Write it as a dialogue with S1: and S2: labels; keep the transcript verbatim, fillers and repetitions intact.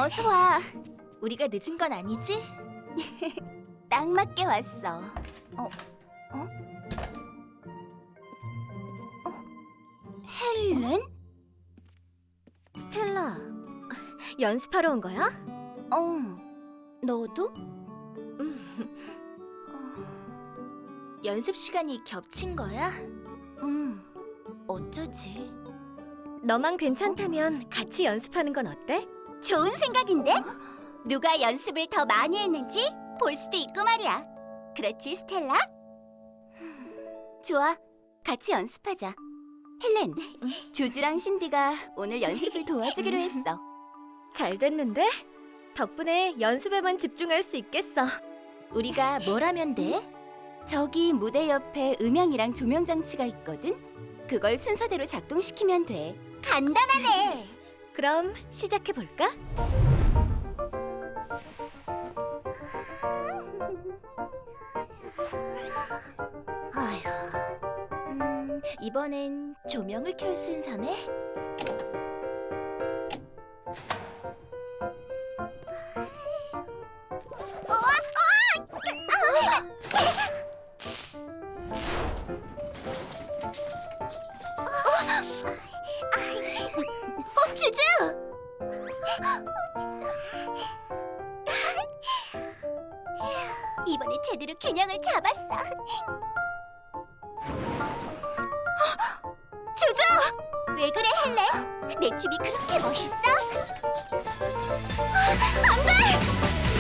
S1: 어서 와. 우리가 늦은 건 아니지? 딱 맞게 왔어. 어? 어? 어? 헬렌?
S2: 스텔라, 연습하러 온 거야?
S1: 어. 너도?
S2: 음,
S1: 연습 시간이 겹친 거야? 음. 어쩌지?
S2: 너만 괜찮다면 같이 연습하는 건 어때?
S1: 좋은 생각인데? 누가 연습을 더 많이 했는지 볼 수도 있고 말이야. 그렇지, 스텔라? 좋아, 같이 연습하자. 헬렌, 조주랑 신디가 오늘 연습을 도와주기로 했어.
S2: 잘 됐는데? 덕분에 연습에만 집중할 수 있겠어.
S1: 우리가 뭘 하면 돼? 저기 무대 옆에 음향이랑 조명 장치가 있거든? 그걸 순서대로 작동시키면 돼. 간단하네!
S2: 그럼 시작해 볼까?
S1: 아휴, 음, 이번엔 조명을 켤 순서네? 어, 주주! 이번에 제대로 균형을 잡았어. 주주! 왜 그래, 헬렌? 내 춤이 그렇게 멋있어? 안 돼!